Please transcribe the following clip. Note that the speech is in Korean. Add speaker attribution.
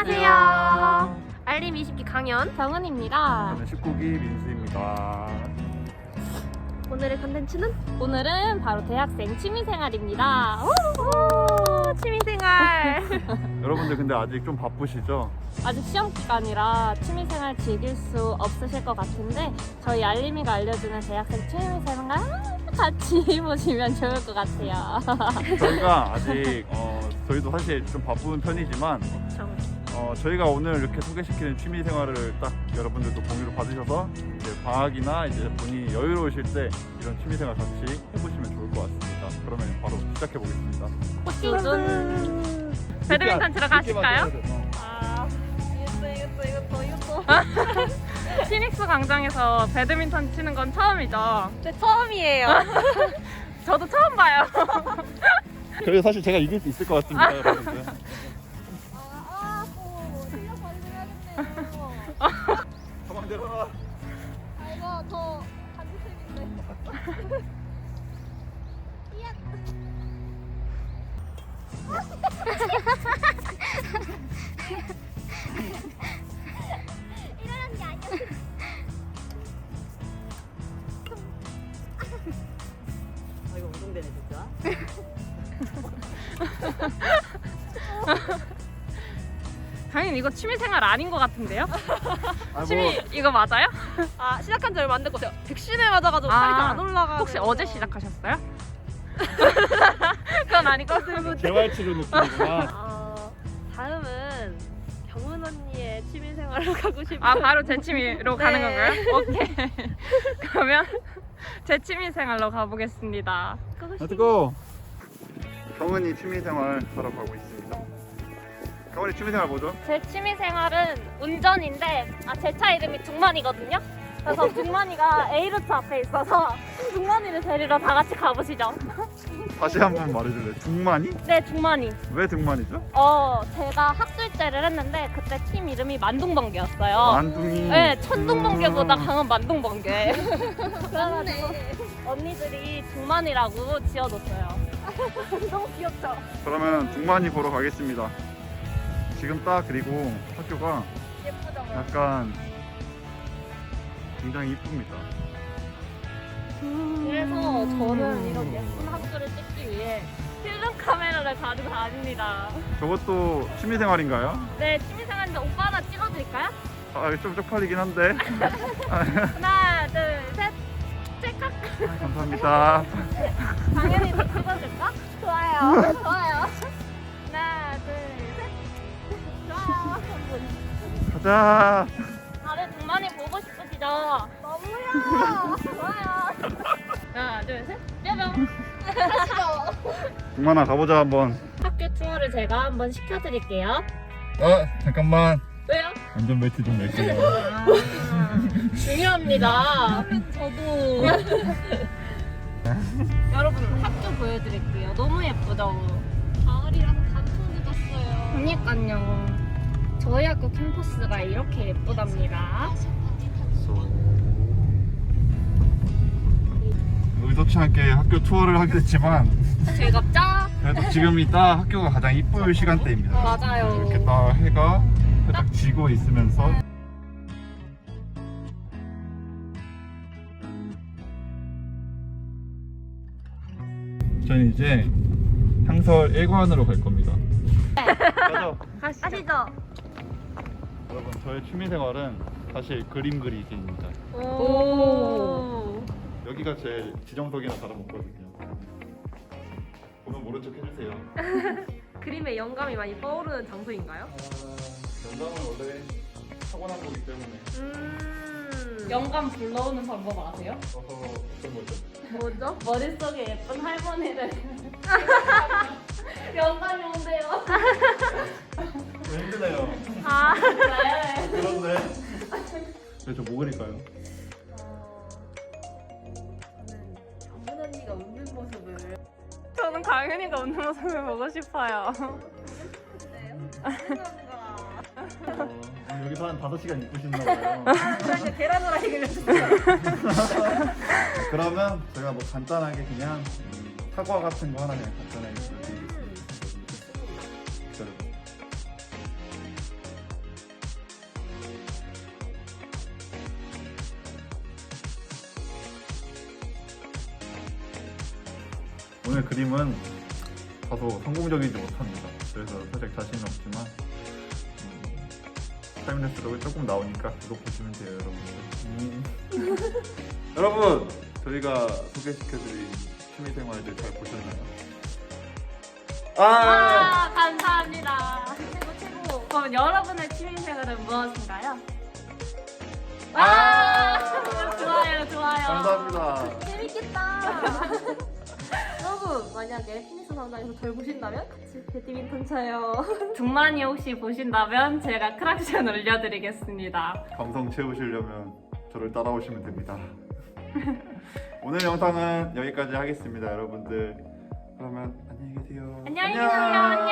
Speaker 1: 안녕하세요. 알림 20기 강연 정은입니다.
Speaker 2: 저는 19기 민수입니다.
Speaker 1: 오늘의 컨텐츠는
Speaker 3: 오늘은 바로 대학생 취미생활입니다.
Speaker 1: 취미생활.
Speaker 2: 여러분들 근데 아직 좀 바쁘시죠?
Speaker 3: 아직 시험 기간이라 취미생활 즐길 수 없으실 것 같은데 저희 알림이가 알려주는 대학생 취미생활 같이 해보시면 좋을 것 같아요.
Speaker 2: 저희가 아직 저희도 사실 좀 바쁜 편이지만 저희가 오늘 이렇게 소개시키는 취미 생활을 딱 여러분들도 공유를 받으셔서 이제 방학이나 이제 본인이 여유로우실 때 이런 취미 생활 같이 해보시면 좋을 것 같습니다. 그러면 바로 시작해 보겠습니다.
Speaker 3: 호시준 배드민턴 치러 가실까요? 이것도 피닉스 광장에서 배드민턴 치는 건 처음이죠?
Speaker 1: 네, 처음이에요.
Speaker 3: 저도 처음 봐요.
Speaker 2: 그래서 사실 제가 이길 수 있을 것 같습니다, 여러분들.
Speaker 1: 실력 발휘해야겠네요.
Speaker 2: 가방 내려라.
Speaker 1: 이거 더 반지색인데. 이러는 게 아니야.
Speaker 4: 이거 운동되네 진짜.
Speaker 3: 당연히 이거 취미생활 아닌 것 같은데요?
Speaker 2: 아,
Speaker 3: 취미 이거 맞아요?
Speaker 1: 아, 시작한 지 얼마 안 됐고 제가 백신에 맞아가지고 살이 잘 안 올라가.
Speaker 3: 혹시 어제 시작하셨어요? 그건 아니고
Speaker 2: 재활치료 느낌이구나.
Speaker 1: 다음은 경은 언니의 취미생활로 가고 싶어요.
Speaker 3: 아 바로 제 취미로 가는
Speaker 1: 네.
Speaker 3: 건가요? 오케이. 그러면 제 취미생활로 가보겠습니다.
Speaker 2: 렛츠고! 경은이 취미 생활 하러 가고 있습니다. 경은이 취미 생활 뭐죠?
Speaker 3: 제 취미생활은 운전인데 제 차 이름이 둥만이거든요. 그래서 둥만이가 A루트 앞에 있어서 둥만이를 데리러 다 같이 가보시죠.
Speaker 2: 다시 한번 말해줄래? 둥만이?
Speaker 3: 네, 둥만이.
Speaker 2: 왜 둥만이죠?
Speaker 3: 제가 학술제를 했는데 그때 팀 이름이 만둥번개였어요.
Speaker 2: 만둥이.
Speaker 3: 네, 천둥번개보다 강한 만둥번개. 그래가지고 언니들이 둥만이라고 지어줬어요. 너무 귀엽죠?
Speaker 2: 그러면 둥만이 보러 가겠습니다. 지금 딱 그리고 학교가
Speaker 3: 예쁘죠?
Speaker 2: 약간 굉장히 이쁩니다.
Speaker 3: 그래서 저는 이런 예쁜 학교를 찍기 위해 필름 카메라를 가지고 다닙니다.
Speaker 2: 저것도 취미 생활인가요?
Speaker 3: 네, 취미생활인데 오빠 하나 찍어드릴까요?
Speaker 2: 아, 좀 쪽팔리긴 한데.
Speaker 3: 하나, 둘, 셋, 찰칵.
Speaker 2: 감사합니다.
Speaker 3: 당연히 더 찍어줄까? 좋아요. 좋아요. 하나, 둘, 셋. 좋아요.
Speaker 2: 가자.
Speaker 3: 다들 동만이 보고 싶으시죠? 너무요. 좋아요. 하나, 둘, 셋. 뾰병.
Speaker 2: 둥만아 가보자 한번.
Speaker 3: 학교 투어를 제가 한번 시켜드릴게요.
Speaker 2: 잠깐만.
Speaker 3: 왜요?
Speaker 2: 안전벨트 좀 멜게요.
Speaker 3: 중요합니다. 저도. 여러분 학교 보여드릴게요. 너무 예쁘죠?
Speaker 1: 가을이라서 단풍 묻었어요.
Speaker 3: 그러니까요. 저희 학교 캠퍼스가 이렇게 예쁘답니다.
Speaker 2: 의도치 않게 학교 투어를 하게 됐지만
Speaker 3: 즐겁죠?
Speaker 2: 그래도 지금이 딱 학교가 가장 이쁠 시간대입니다.
Speaker 3: 맞아요.
Speaker 2: 이렇게 딱 해가 살짝 지고 있으면서 저는 이제 향설 1관으로 갈 겁니다. 가죠.
Speaker 1: 아시죠?
Speaker 2: 여러분 저의 취미생활은 사실 그림 그리기입니다.
Speaker 3: 오.
Speaker 2: 여기가 제 지정석이나 다름없거든요. 보면 모른 척 해주세요.
Speaker 1: 그림에 영감이 많이 떠오르는 장소인가요?
Speaker 2: 영감은 원래 타고난 거기 때문에
Speaker 3: 영감 불러오는 방법 아세요?
Speaker 2: 어떤 거죠?
Speaker 1: 뭐죠?
Speaker 3: 머릿속에 예쁜 할머니를 영감이 온대요.
Speaker 2: 힘드네요.
Speaker 1: 아,
Speaker 3: 네.
Speaker 2: 그런데 저 뭐 그릴까요?
Speaker 1: 저는 경은 언니가 웃는 모습을.
Speaker 3: 저는 강윤이가 웃는 모습을 보고 싶어요.
Speaker 2: 여기서 한 5시간 있으셨나 봐요.
Speaker 1: 그래서 계란 후라이 그려주세요.
Speaker 2: 그러면 제가 뭐 간단하게 그냥 사과 같은 거 하나 그냥 간단하게 보여드리겠습니다. 기다려봐. 오늘 그림은 다소 성공적이지 못합니다. 그래서 살짝 자신은 없지만 타임레스록이 조금 나오니까 그거 보시면 돼요, 여러분들. 여러분, 저희가 소개시켜드린 취미생활들 잘 보셨나요?
Speaker 3: 감사합니다. 최고. 그럼 여러분의 취미생활은 무엇인가요? 좋아요.
Speaker 2: 감사합니다.
Speaker 3: 재밌겠다. 여러분 만약에 피니스 성당에서 저를 보신다면 같이 배드민턴 쳐요. 중만이 혹시 보신다면 제가 크락션 올려드리겠습니다.
Speaker 2: 감성 채우시려면 저를 따라오시면 됩니다. 오늘 영상은 여기까지 하겠습니다, 여러분들. 그러면 안녕히 계세요.
Speaker 3: 안녕히 계세요.